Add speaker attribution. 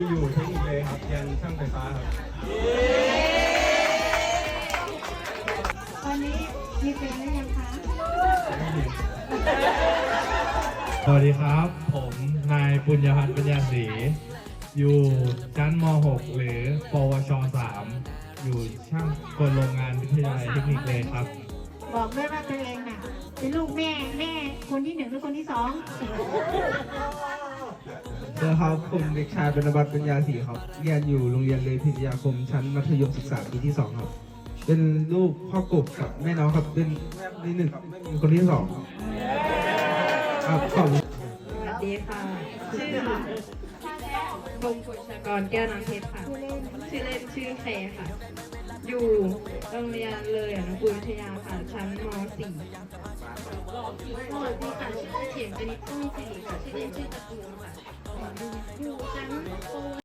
Speaker 1: อยู่เทคนิคเลยครับเรียนช่างไฟฟ้าครับ
Speaker 2: ตอนนี้มีเพลงหรือยังคะ
Speaker 3: สวัสดีครับ ผมนายปุญญพัฒน์ปัญญาศรีอยู่ชั้นม .6 หรือปวช .3 อยู่ช่างกลโรงงานวิทยาลัยเทคนิคเลยครับ
Speaker 2: บอกด้วยว่าตัวเองน่ะเป็นลูกแม่คนที่หนึ่งหรือคนที่สอง
Speaker 4: ครับผมเด็กชายบรรณบัตรปัญญาศรีครับเรียนอยู่โรงเรียนเลยพิทยาคมชั้นมัธยมศึกษาปีที่ 2 ครับ เป็นลูกพ่อกบกับแม่น้องครับเป็นแม่ที่หนึ่งครับไม่มีคนที่ 2ครับขอบคุณ
Speaker 5: สวัสดีค่ะ ชื่อพงศ์ปุชกรแก้วน้ำเพชรค่ะ ชื่อเล่นชื่อเคค่ะ อยู่โรงเรียนเลยอนุกูลวิทยาค่ะ ชั้นม .4 สวัสดีค่ะ ชื่อเขียนกนิษฐ์ผู้มีสิริค่ะ ชื่อเล่นชื่อตะกูลค่ะ อยู่ชั้นป